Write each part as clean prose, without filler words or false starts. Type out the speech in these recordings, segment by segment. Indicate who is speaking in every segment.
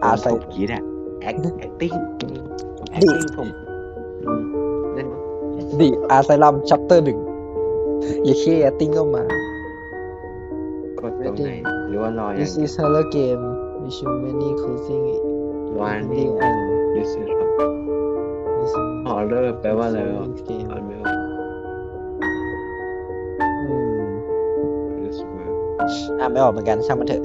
Speaker 1: อาไซ
Speaker 2: ผมคิดอะ acting ผมเล่น
Speaker 1: ดิอาไซลัมชัปเตอร์1อย่าแค่แอตติ้งก็มาก
Speaker 2: ดตรงไหนหรือว่ารออย่าง
Speaker 1: This
Speaker 2: เดียว
Speaker 1: is horror game with many closing
Speaker 2: warning
Speaker 1: ending and
Speaker 2: this is
Speaker 1: this
Speaker 2: horror แปลว่าอะไรวะ
Speaker 1: game
Speaker 2: อ่านไม่ออก this word
Speaker 1: อ่านไม่ออกเหมือนกันช่างมันเถอะ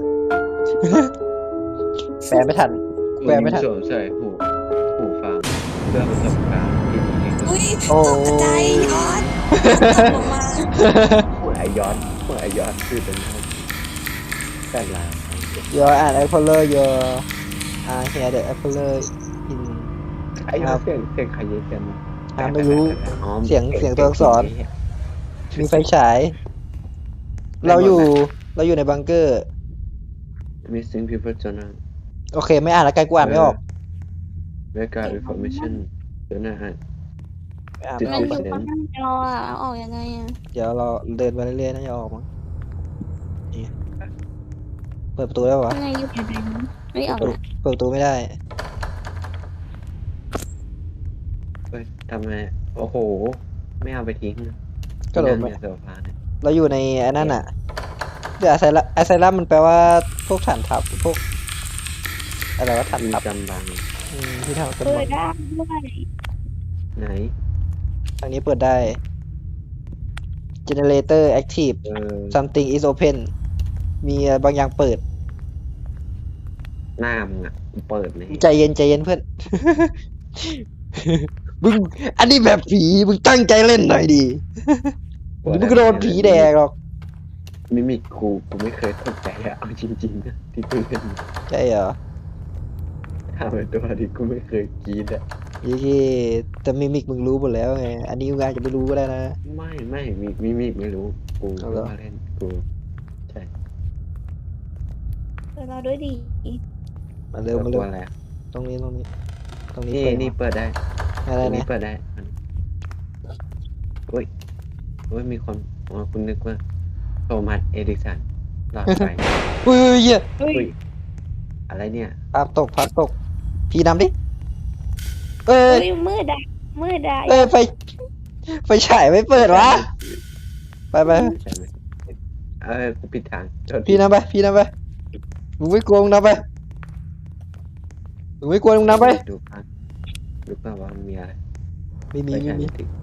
Speaker 1: แปลไม่ทัน แปลไม่ทัน
Speaker 2: สวมใส่หูฟังเพื่อประสบการณ์ที่ดีที่สุด
Speaker 3: อุ้ย
Speaker 1: โอ้
Speaker 3: ตกใจย้อนตกลงมา
Speaker 2: หัวไอย้อนคือเป็นแต่ละ
Speaker 1: Your an apple your here the apple in
Speaker 2: ไอ้ย้อนเสียงใครเยอะกัน
Speaker 1: ไม่รู้
Speaker 2: อ๋อ
Speaker 1: เสียงตัวอักษร มีไฟฉาย เราอยู่ในบังเกอร์
Speaker 2: missing people journal
Speaker 1: โอเค ไม่อ่านแล้วไกลกูอ่านไม่ออก
Speaker 2: record information เดี๋ยวนะฮะ
Speaker 1: ไม่อ่าน
Speaker 3: มัน
Speaker 1: ไม่ออก
Speaker 3: อยู่บนหน้าจออ่ะเอาออกยังไงอ่ะ
Speaker 1: เดี๋ยวเราเดินไปเรื่อยๆน่าจะออกมั้งนี่เปิดประตูได้ปะวะ
Speaker 3: ยังไงอยู่ในนั้นไม่ออกละ
Speaker 1: เปิดประตูไม่ได้
Speaker 2: เฮ้ยทำไมโอ้โห ไม่เอาไปทิ้ง
Speaker 1: ก็โดน
Speaker 2: เนี่ยโซฟาเนี่ย
Speaker 1: เราอยู่ในไอ้นั่นอ่ะเดี๋ยวไอไซรัมมันแปลว่าพวกฐานทัพพวกอะไรวะฐาน
Speaker 2: มี
Speaker 1: ทัพ
Speaker 2: จำบัง
Speaker 1: ที่ทำกัน
Speaker 3: เปิ
Speaker 1: หม
Speaker 3: ด
Speaker 1: ด
Speaker 3: ได้ด้วย
Speaker 2: ไหน
Speaker 1: ทางนี้เปิดได้ generator active something is open มีบางอย่างเปิด
Speaker 2: หน้ามึงอ่ะเปิดเลย
Speaker 1: ใจเย็นเพื่อน มึงอันนี้แบบผีมึงตั้งใจเล่นหน่อยดิมึงก็โดนผีแดกหรอก
Speaker 2: มิมิกกูไม่เคยสนใจอะเอาจริงๆนะที่กูเล่น
Speaker 1: ใช่เหรอ
Speaker 2: ทำเป็นตัวที่กูไม่เคยกรีดอะ
Speaker 1: ยี่แต่มิมิกมึงรู้หมดแล้วไงอันนี้มึงอาจจะไม่รู้ก็ได้นะ
Speaker 2: ไม่มิมิกไม่รู้กู
Speaker 1: เอาเหรอ
Speaker 2: มาเล่นกูใช่
Speaker 3: เปิดเราด้วยดี
Speaker 1: มาเร็วมา
Speaker 2: ตั
Speaker 1: เร็
Speaker 2: ว
Speaker 1: ว
Speaker 2: อะไร
Speaker 1: ตรงนี้
Speaker 2: นี่
Speaker 1: เปิด
Speaker 2: นี่เปิดได้
Speaker 1: อะไร
Speaker 2: ตรงนี้
Speaker 1: นะ
Speaker 2: เปิดได้โอ้ยมีคนอ๋อคุณนึกว่าโทมัสเอดิสันหลอดไฟ
Speaker 1: อุ้ยเหี้ย
Speaker 3: เฮ้ย
Speaker 2: อุ้ยอะไรเนี่ย
Speaker 1: พัดตกพี่นำดิเอ้
Speaker 3: เฮ้
Speaker 1: ย
Speaker 3: ยมืดอ่ะมืดอ่ะ
Speaker 1: ไฟฉายไม่เปิดวะไป
Speaker 2: ใช่ไหมกูปิดทางโทษที
Speaker 1: พี่นำไปมึงไม่กลัวมึงนำไปมึงไม่กลัวมึงนำไป
Speaker 2: ดูภาพดูภาพว่ามันมีอะไร
Speaker 1: ไม่มี
Speaker 2: ไม่ใช่ไม่ถึง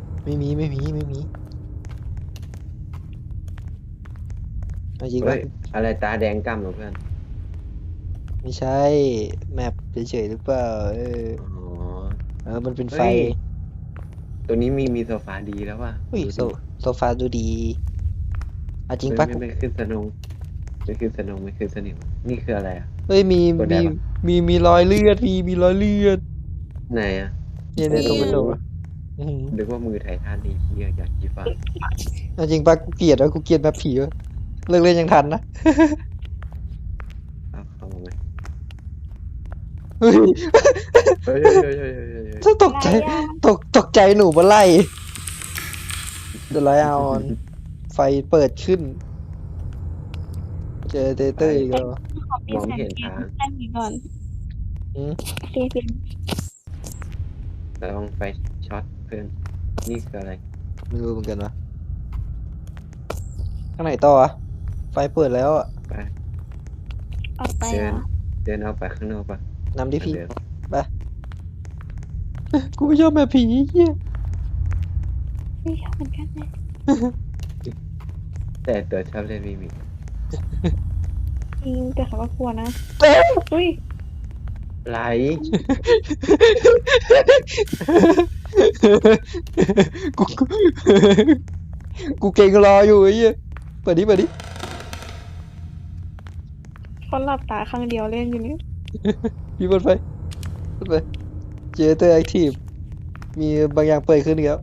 Speaker 1: เอาจริง
Speaker 2: เฮ้
Speaker 1: ปะ
Speaker 2: ยอะไรตาแดงก่ำเหรอเพื่อน
Speaker 1: ไม่ใช่แมปเฉยๆหรือเปล่า
Speaker 2: อ๋อ
Speaker 1: มันเป็นไฟ
Speaker 2: เฮ้ย ตัวนี้มีโซฟาดีแล้วว่ะ
Speaker 1: อุ้ย
Speaker 2: ดูดิ
Speaker 1: โซฟาดูดีเอาจริงปะ
Speaker 2: ไม่ขึ้นสนงไม่ขึ้นสนงไม่ขึ้นสนิมนี่คืออะไรอ่ะ
Speaker 1: เฮ้ยมี
Speaker 2: กดได้ปะ
Speaker 1: มีรอยเลือดมีรอยเลือด
Speaker 2: ไหนอ่ะ
Speaker 1: เนี่ยตรงกระจกอะอื้อหือ
Speaker 2: นึกว่ามือไททันนี่เฮียอยากจีฟ้า
Speaker 1: เอาจริงปะกูเกลียดแบบผีวะเลิกเล่นยังทันนะ
Speaker 2: เข้ามาไหม
Speaker 1: เฮ้ย
Speaker 2: เฮ้ย
Speaker 1: ถ้าตกใจ ตกใจหนูมาไล่เดี๋ยวไลออนไฟเปิดขึ้น เจอเตเตอร์อีกแล้ว
Speaker 3: ขอปิดแสงเกมแค่นี้ก่อน
Speaker 1: อืม
Speaker 3: โอเคปิด
Speaker 2: ลองไฟช็อตเพื่อนนี่คืออะไร
Speaker 1: ไม่รู้เหมือนกันวะข้างไหนต่ออะไฟเปิดแล้วอะ
Speaker 2: ไป
Speaker 3: ออกไปเหรอ
Speaker 2: เดินเอาไปข้างนอกปะ
Speaker 1: นำดิพี่
Speaker 2: เดิน
Speaker 1: กูไม่ชอบแบบผีเหี้ย
Speaker 3: ไม่ชอบเหมือนกันเลย
Speaker 2: แต่ตัวชอบเล่นมิมิ
Speaker 3: จริงแต่เขาก็กลัวนะ
Speaker 1: เต้
Speaker 3: อุ้ย
Speaker 2: ไหล
Speaker 1: กูกูเก่งรออยู่ไอ้เหี้ยเปิดดิ
Speaker 3: คนหลับตาข้างเดียวเล่นอยู่นี่
Speaker 1: พี่เปิดไฟเจเตอร์แอคทีฟมีบางอย่างเปิดขึ้นอีกแล้ว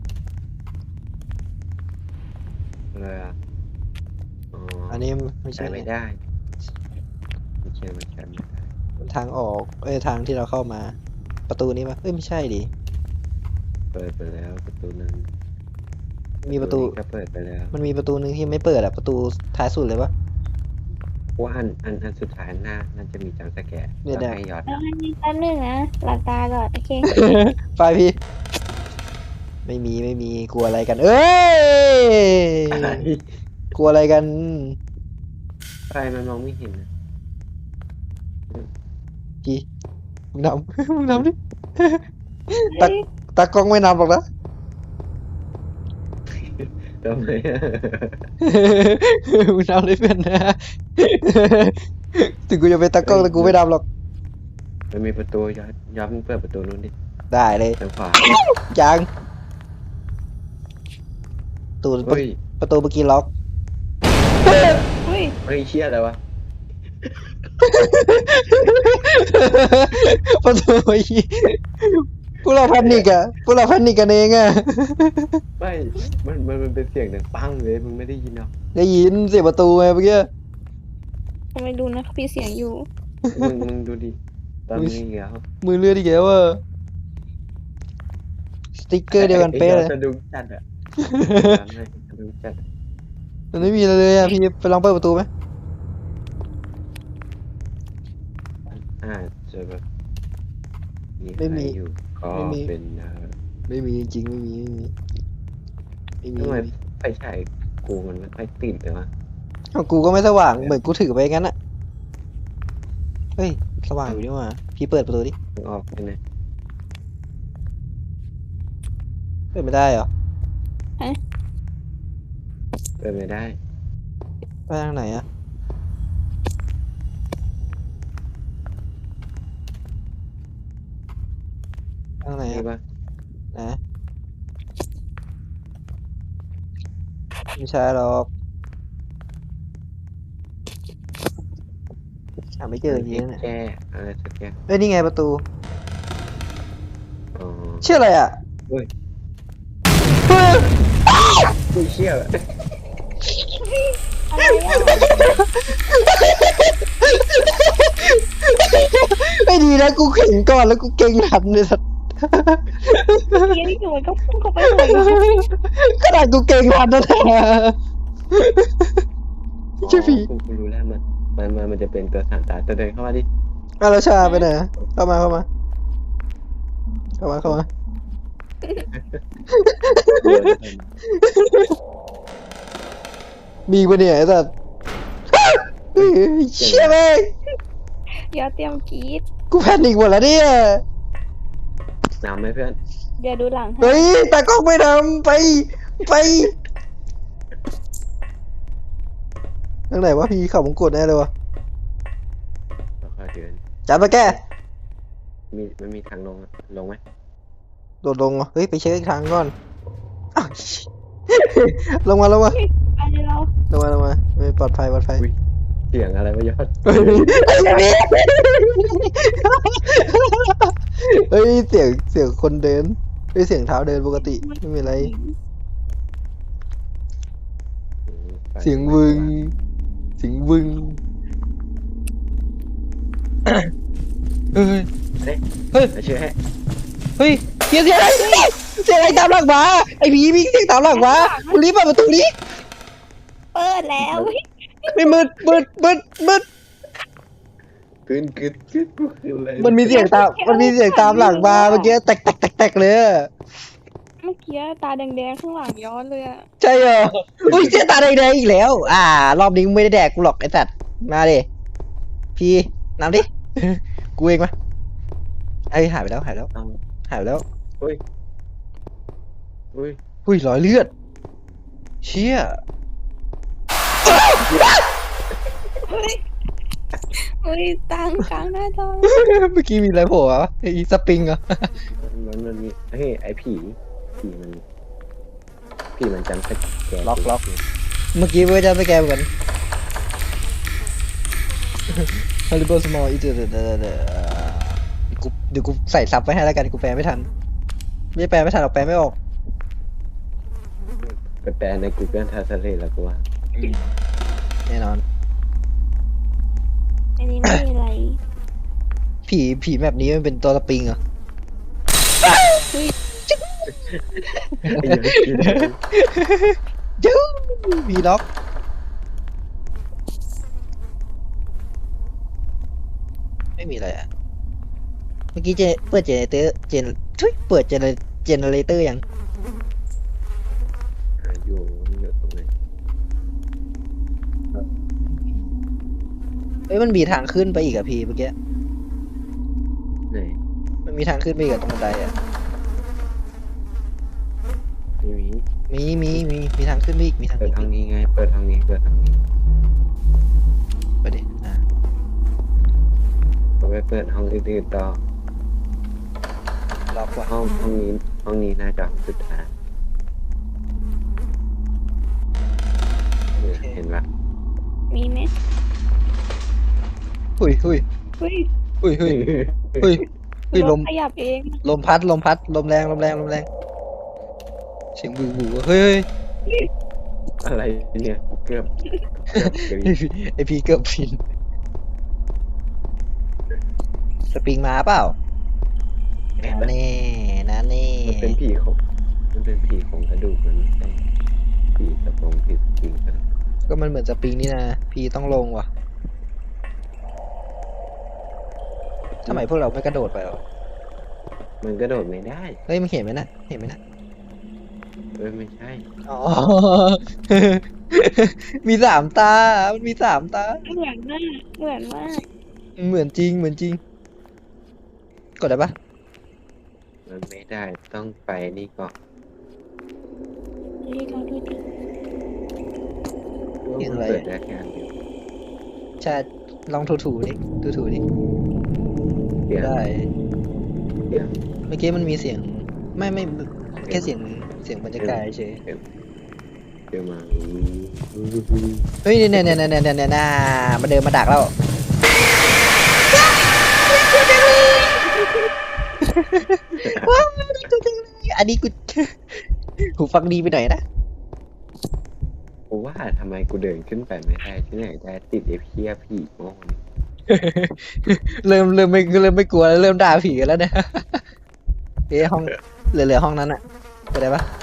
Speaker 2: เลยอ่ะอ๋อ
Speaker 1: อันนี้ไม่
Speaker 2: ใช้
Speaker 1: ใช่
Speaker 2: ไม่ได้ไม่ใช่ไม่ได้
Speaker 1: ทางออกทางที่เราเข้ามา ประตูนี้ปะไม่ใช่ดิ
Speaker 2: เปิดไปแล้วประตูนั้น
Speaker 1: มีประตู
Speaker 2: นี้ก็เปิดไปแล้ว
Speaker 1: มันมีประตูหนึ่งที่ไม่เปิดอะประตูท้ายสุดเลยปะ
Speaker 2: เพราะว่าอันสุดท้ายหน้าน่าจะมีจังสแกร์
Speaker 1: เนี่ย
Speaker 2: แล้ว
Speaker 1: เนี่ย
Speaker 2: ให้ยอด
Speaker 3: แป๊บนึงนะหลับตาก่อนโอเค
Speaker 1: ไฟพี่ ไม่มีกลัวอะไรกัน เอ้ย
Speaker 2: อะไร
Speaker 1: กลัวอะไรกัน
Speaker 2: ไฟมันมองไม่เห็นนะ
Speaker 1: กี่มึงนำ มึงนำดิ ตากล้องไม่นำหรอกนะ
Speaker 2: ทำไมอะ
Speaker 1: มึงนำเลยเพื่อนนะ ถึงกูจะเป็นตากล้องแต่กูไม่นำหรอก
Speaker 2: มันมีประตูยอดมึงเปิดประตูนู้นดิ
Speaker 1: ได้เลย
Speaker 2: ทางขวา
Speaker 1: ยังตูน
Speaker 2: เฮ้ย
Speaker 1: ประตูเมื่อกี้ล็อก
Speaker 3: เฮ้ย
Speaker 2: เฮ้ยเชี่ยอะไรวะ
Speaker 1: ประตูเมื่อกี้พวกเราแพนิกอะพวกเราแพนิกกันเองอะ
Speaker 2: ไม่มันเป็นเสียงดังปังเลยมึงไม่ได้ยินหรอก
Speaker 1: ได้ยินเสียงประตูไงเมื่อกี้
Speaker 3: ทำไมดูนะเขามีเสียงอยู่
Speaker 2: มึงดูดิตอนนี้แล้ว
Speaker 1: มือเลือดอีกแล้วอะสติ๊กเกอร์เดียวกันเป๊ะเลย
Speaker 2: สะดุ้งจัดอะสะดุ้งจัด
Speaker 1: มันไม่มีอะไรเลยอะพี่ไปลองเปิดประตูไหม
Speaker 2: จะแบบมีใครอยู่ก็เป็น
Speaker 1: ไม่มีจริงๆไม่มี
Speaker 2: ทำไมไฟฉายกูมันไม่ค่อยติดเลยวะ
Speaker 1: ของกูก็ไม่สว่างเหมือนกูถือไปงั้นอะเฮ้ยสว่างอยู่นี่หว่าพี่เปิดประตูดิ
Speaker 2: มึงออกไปนะ
Speaker 1: เปิดไม่ได้เหรอ
Speaker 2: เปิดไม่ได้
Speaker 1: ไปทางไหนอะทางไหน
Speaker 2: นี่
Speaker 1: อะ
Speaker 2: ปะ
Speaker 1: นะไม่ใช่หรอกหาไม่เจอจริงๆเนี่ย
Speaker 2: แก้อะไรสักอย่าง
Speaker 1: เอ้ยนี่ไงประตู
Speaker 2: อ๋อ
Speaker 1: ชื่ออะไรอ่ะ
Speaker 2: เฮ้ย
Speaker 1: เฮ้ย
Speaker 2: กูเชี่ย
Speaker 3: อะไรอ่ะ
Speaker 1: ไม่ดีนะกูเข่งก่อนแล้วกูเก่งทันเลยสัตว์
Speaker 3: เมื่อกี้นี่คือมันก็พุ่งเข้าไปเลยนะ
Speaker 1: ขนาดกูเก่งทันนั่นแหละใช่ผี
Speaker 2: กูรู้แล้วมันจะเป็นตัวสานตาตัวเดินเข้ามาดิ
Speaker 1: อาราชาไปไหนอะเข้ามามีปะเนี่ยไอ้สัตว์เฮ้ยเชี่ยแม่ง
Speaker 3: อย่าเตรียมกรีด
Speaker 1: กูแพนิคหมดแล้วเนี่ย
Speaker 2: นำไหมเพื่อน
Speaker 3: เดี๋ยวดูหลังให้
Speaker 1: เฮ้ยตากล้องไม่ทำไปทางไหนวะพี่เขามงกดแน่เลยวะ
Speaker 2: ค่อยๆเดิน
Speaker 1: จัดมาแก
Speaker 2: มันมีทางลงไหม
Speaker 1: โดดลงเหรอเฮ้ยไปเช็คอีกทางก่อนอ้าวลงมา
Speaker 3: ไปเรา
Speaker 1: ไม่ปลอดภัย
Speaker 2: เสียงอะไรวะยอด
Speaker 1: เฮ้ยเสียงคนเดินเฮ้ยเสียงเท้าเดินปกติไม่มีอะไร เสียงวึงเฮ้ย
Speaker 2: เชื่อให้
Speaker 1: เฮ้ยเสียงอะไรตามหลังมาไอ้ผีมีเสียงตามหลังมาคุณรีบเปิดประตูนี้
Speaker 3: เปิดแล้ว
Speaker 1: ไม่มืด
Speaker 2: กึนกูคืออะไร
Speaker 1: มันมีเสียงตามหลังมาเมื่อกี้แตกเลยอะ
Speaker 3: เมื่อกี้ตาแดงๆข้างหลังย้อนเลยอะ
Speaker 1: ใช่เหรออุ้ยเสียตาแดงๆอีกแล้ว รอบนี้มึงไม่ได้แดกกูหรอกไอ้สัตว์มาดิพี่น้ำดิ กูเองมาไอ้ยหายไปแล้ว
Speaker 2: เอา อุ้ย
Speaker 1: อุ้ยรอยเลือดเชี่ย
Speaker 3: เฮ้ยตังกลางหน้าจอ
Speaker 1: เมื่อกี้มีอะไรโผล่วะไอ้สปริงเหรอ
Speaker 2: มันมีเฮ้ยไอ้ผีมันจำสแกน
Speaker 1: ล็อกเมื่อกี้เพื่อจะสแกนเหมือนกัน Horrible small it เดี๋ยวกูใส่ซับไว้ให้แล้วกันกูแปลไม่ทันไม่แปลไม่ทันหรอกแปลไม่ออก
Speaker 2: ไปแปลใน Google Translate แล้วกูว่า
Speaker 1: แน่นอน
Speaker 3: อันนี้ไม่มีอะไร
Speaker 1: ผีแบบนี้มันเป็นตัวสปริงเหรอ จู้มีล็อกไม่มีอะไรอ่ะ เมื่อกี้เปิดเจเนเรเตอร์เปิดเจเนเรเตอร์ยัง
Speaker 2: อยู่ตรงไหน
Speaker 1: เฮ้ยมันมีทางขึ้นไปอีกอะพี่เมื่อกี้
Speaker 2: ไหน
Speaker 1: มันมีทางขึ้นไปอีกอะตรงบันไดอะ
Speaker 2: ไม่มี
Speaker 1: มีทางขึ้นไปอีกมีทาง
Speaker 2: เปิ
Speaker 1: ขึ้
Speaker 2: ด
Speaker 1: นไป
Speaker 2: ทาง
Speaker 1: อีก
Speaker 2: นี้ไงเปิดทางนี้
Speaker 1: ไปดิอ่ะ
Speaker 2: เราไปเปิดห้องอื่นๆต่อ
Speaker 1: ล็อกว่ะ
Speaker 2: ห้องนี้น่าจะสุดท้ายเห็นปะ
Speaker 3: มีไหม
Speaker 1: หุย
Speaker 3: เฮ้ย
Speaker 1: เฮ้ย
Speaker 3: ร
Speaker 1: ล
Speaker 3: ถ
Speaker 1: ม
Speaker 3: ขยับเอง
Speaker 1: ลมพัดลมแรงเสียงบูเฮ้ย
Speaker 2: อะไรเนี่ยเกือบกรี๊ด
Speaker 1: ไอพีเกือบพินสปริงมาเปล่านั่นแน่นั่นแน่
Speaker 2: มันเป็นผีของกระดูกมันไม่ใช่ผีกระโปรงผีจริงกัน
Speaker 1: ก็มันเหมือนสปริงนี่นะพีต้องลงว่ะทำไมพวกเราไม่กระโดดไปหรอ
Speaker 2: มันกระโดดไม่ได้
Speaker 1: เฮ้ยมันเห็นไหมนะ
Speaker 2: ไม่ใช่
Speaker 1: อ๋อ มีสามตา มันมีสามตา
Speaker 3: เหมือนมากเหมือนมาก
Speaker 1: เหมือนจริง กดได้ปะ
Speaker 2: มันไม่ได้ต้องไปนี่ก่อน
Speaker 3: เฮ้ยลองดูดิ
Speaker 2: ว่ามันเปิดได้แค่อันเดียว
Speaker 1: ใช่ลองถูดิถูดิ
Speaker 2: เสียง
Speaker 1: ได้
Speaker 2: เสียง
Speaker 1: เมื่อกี้มันมีเสียง ไม่แค่เสียงบรรยากาศเฉย
Speaker 2: เดี๋ยวมา
Speaker 1: เฮ้ยเนี่ยมาเดินมาดักแล้ว ว้าวตัวจังเลยอันนี้กู หูฟังดีไปหน่อยนะ
Speaker 2: กูว่าทำไมกูเดินขึ้นไปไม่ได้ที่ไหนได้ติดไอ้เพี้ยผีโง่นี่
Speaker 1: เริ่มไม่กลัวแล้วเริ่มด่าผีกันแล้วเนี่ยเอ้ห้องเหลือห้องนั้นอะไปได้ปะ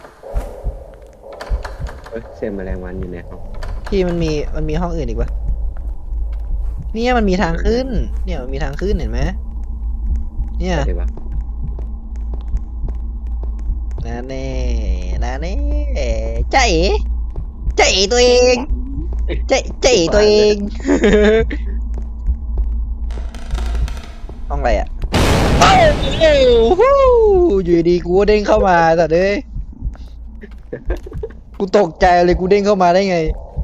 Speaker 2: เสียงแมลงวันอยู่ในห้อง
Speaker 1: พี่มันมีห้องอื่นอีกปะเนี่ยมันมีทางขึ้น เนี่ยมันมีทางขึ้นเห็นไหมเนี่ย
Speaker 2: ใช่ปะ
Speaker 1: นั่นแน่ใจเอ๋ตัวเองใจเอ๋ตัวเอง ห้องอะไรอ่ะโอ้โหอยู่ดีกูก็เด้งเข้ามาแต่เด้ยกูตกใจเลยกูเด้งเข้ามาได้ไง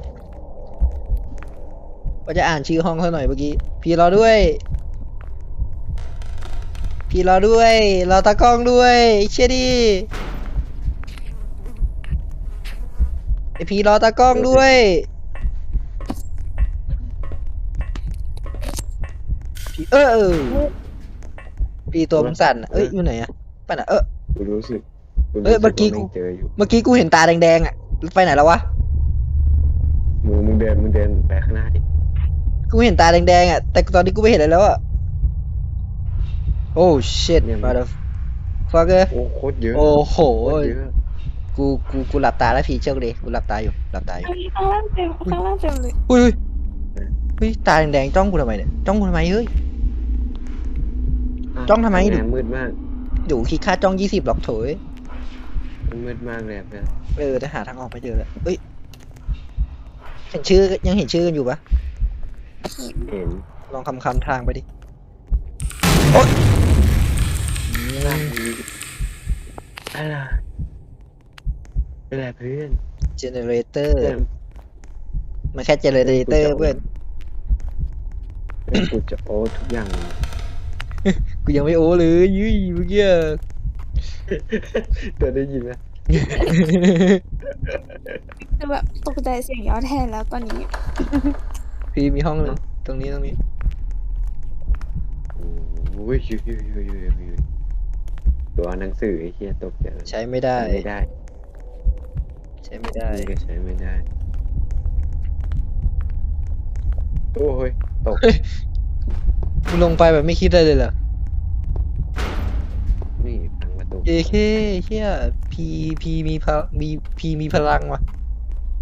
Speaker 1: ว่าจะอ่านชื่อห้องเขาหน่อยเมื่อกี้พี่รอด้วยรอตากล้องด้วยเชี่ยดิไอพี่รอตากล้องด้วยพี่พี่ตัวมันสั่นอะเอ้ยอยู่ไหนอะไปไหน
Speaker 2: กูรู้สึก
Speaker 1: เอ้ยเมื่อกี้กู
Speaker 2: ว่าแงเจออยู่
Speaker 1: เมื่อกี้กูเห็นตาแดงๆอะไปไหนแล้ววะ
Speaker 2: มึงเดินไปข้างหน้าดิ
Speaker 1: กูเห็นตาแดงๆอะแต่ตอนนี้กูไม่เห็นอะไรแล้วอะโอ้ shit motherfucker
Speaker 2: โอ้โคตรเยอะ
Speaker 1: โอ้โห
Speaker 2: โคตรเยอะ
Speaker 1: กูหลับตาแล้วพี่เชื่อดิกูหลับตาอยู่
Speaker 3: เฮ้ยข้างล่างเต็มเลย
Speaker 1: อุ้ยตาแดงๆจ้องกูทำไมเนี่ยจ้องกูทำไมเฮ้ย จ้องทำไม
Speaker 2: แหนมืดมาก
Speaker 1: อยู่คิดค่าจ้อง20หรอกโถย
Speaker 2: มันมืดมากเลยเพื่อน
Speaker 1: แต่หาทางออกไม่เจอเลยเอ้ยเห็นชื่อยังเห็นชื่อกันอยู่ปะ
Speaker 2: เห็น
Speaker 1: ลองคำทางไปดิโอ๊ย
Speaker 2: อะไรเพื่อน
Speaker 1: เจเนเรเตอร์มันแค่เจเนเรเตอร์เพื่อน
Speaker 2: กูจะโอ้ทุกอย่าง
Speaker 1: กูยังไม่โอ้เลยยุ้ยเมื่อกี้
Speaker 2: เธอได้ยินไหม
Speaker 3: คือแบบตกใจเสียงย้อนแทนแล้วตอนนี้
Speaker 1: พี่มีห้องหนึ่งตรงนี้
Speaker 2: โอ้ยตัวหนังสือไอ้เหี้ยตกใจ
Speaker 1: ใช้ไม่ได้
Speaker 2: ไม่ได้
Speaker 1: ใช้ไม่ได้
Speaker 2: นี่ก็ใช้ไม่ได้ โอ้ยตก
Speaker 1: มึงลงไปแบบไม่คิดอะไรเลยเหรอ
Speaker 2: นี่พังประตู
Speaker 1: เอเคเชี่ยพีมีพลังว่ะ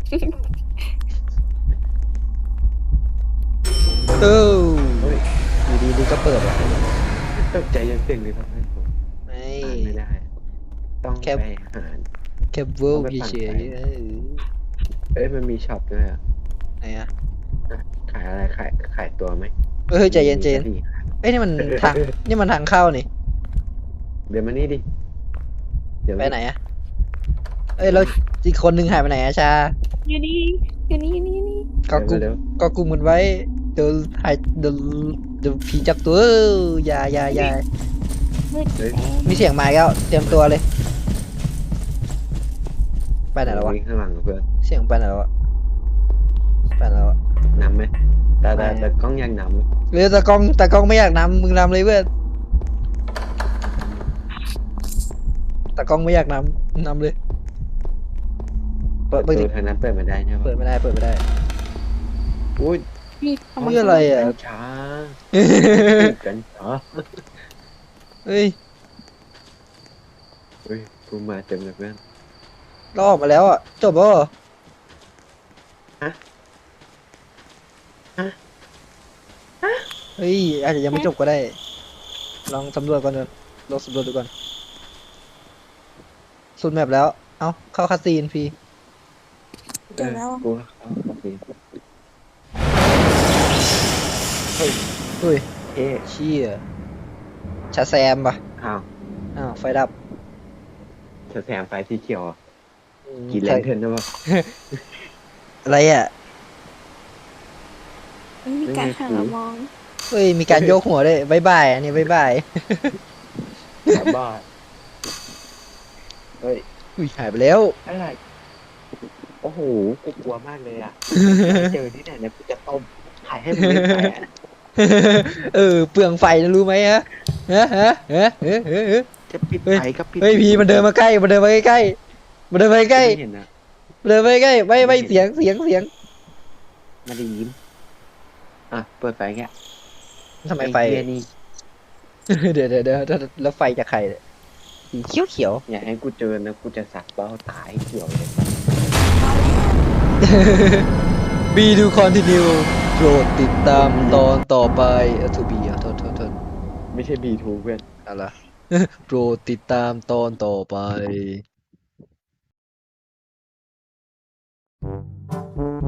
Speaker 1: เออ
Speaker 2: เฮ้ยมี
Speaker 1: ดีนี่ก็เปิดว่ะ
Speaker 2: ตกใจจนเสียงเลยครับให้ผม
Speaker 1: ไม่
Speaker 2: อ่านไม่ได้ ต้อง
Speaker 1: แค่
Speaker 2: ไปหา
Speaker 1: แค่เวิร์
Speaker 2: ต้องไปปั่น
Speaker 1: เฉย
Speaker 2: ไฟ
Speaker 1: ๆ
Speaker 2: มันมีช็อปด้วยอ่ะ
Speaker 1: ไหนอะ
Speaker 2: ขายอะไรขายตัวไหม
Speaker 1: เฮ้ยใจเย็น
Speaker 2: มี
Speaker 1: เจน
Speaker 2: กระดี่ขาย
Speaker 1: เอ้ยนี่มันทางนี่มันทางเข้านี่
Speaker 2: เดี๋ยวมานี่ดิเดี๋ยว
Speaker 1: ไปไหนอะเอ้ยแล้วอีกคนนึงหายไปไหนอะชา
Speaker 3: อยู่นี่อยู่นี่อยู่นี่อยู่นี่
Speaker 1: ก็กุม
Speaker 2: เร็ว
Speaker 1: ก็กุมมันไว้เดี๋ยวหายเดี๋ยวผีจับตัวอย่า
Speaker 3: มืดแดง
Speaker 1: มีเสียงไม้แล้วเตรียมตัวเลย ไปไหนแล้ววะ
Speaker 2: วิ่งข้างหลังกับเพื่อน
Speaker 1: เสียงไปไหนแล้ววะไปไหนแล้ววะ
Speaker 2: นำไหมแต่
Speaker 1: ไม่
Speaker 2: กล้องยังนำ
Speaker 1: เรือตากล้องไม่อยากนำมึงนำเลยเพื่อนตากล้องไม่อยากนำเลยเปิด
Speaker 2: ประ
Speaker 1: ดิ
Speaker 2: ตูทางนั้นเปิดมาได้ใช่ปะ
Speaker 1: เปิดไม่ได้
Speaker 2: อุ้ย
Speaker 3: นี่ทำไม
Speaker 1: นี่อะไรอ่ะ
Speaker 2: กัญชากัญชา
Speaker 1: เฮ้ย
Speaker 2: เฮ้ยกูมาเต็มเลยเพื่อน
Speaker 1: เราออกมาแล้วอ่ะจบแล้วเหรอ
Speaker 2: ฮะ
Speaker 1: เฮ้ยอาจจะยังไม่จบก็ได้ ลองสำรวจก่อนเลยลองสำรวจดูก่อนสุดแมปแล้ว เอ้าเข้าคาซีนพี่
Speaker 3: จบแล้วอะ
Speaker 2: กูเข้าโอเค
Speaker 1: เฮ้ย
Speaker 2: เอ๊ะ
Speaker 1: เชี่ยชาแซมปะ
Speaker 2: อ้าว
Speaker 1: อ้าวไฟดับ
Speaker 2: แซมไฟสีเขียวอ่ะ
Speaker 1: อืม
Speaker 2: กินแลนเทิร์นได้ปะ
Speaker 1: อะไรอ่ะ
Speaker 3: มันมีการหันมามอง
Speaker 1: เฮ้ยมีการโยกหัวด้วยบายบายอันนี้บายบาย
Speaker 2: กลับบ้านเฮ้ย
Speaker 1: อุ้ยหายไปแล้ว
Speaker 2: อะไรโอ้โหกูกลัวมากเลยอ่ะ เจอที่ไหนเนี่ยกูจะต้มขายให้มึงไม่แพ้
Speaker 1: เออเปลืองไฟนะรู้ไหมฮะฮะ
Speaker 2: จะปิด
Speaker 1: เฮ้ย
Speaker 2: ไฟก็ปิด
Speaker 1: เฮ้ยพี่มันเดินมาใกล้มันเดินมาใกล้มันเดินมาใกล้
Speaker 2: ไม่เห็นนะ
Speaker 1: มันเดินมาใกล้ไม่เสียง
Speaker 2: มาได้ยินอ่ะเปิดไฟแก
Speaker 1: ทำไมไฟ
Speaker 2: อ้เหี้ยนี่
Speaker 1: เดี๋ยวแล้วไฟจากใครเนี่ยสีเขียว
Speaker 2: อย่าให้กูเจอนะกูจะสักเบ้าตายเขียวเลย
Speaker 1: บีดูคอนติเนียโปรดติดตามตอนต่อไปทูบีโทษ
Speaker 2: ไม่ใช่ B2 เพื่อน
Speaker 1: อะไร โปรดติดตามตอนต่อไป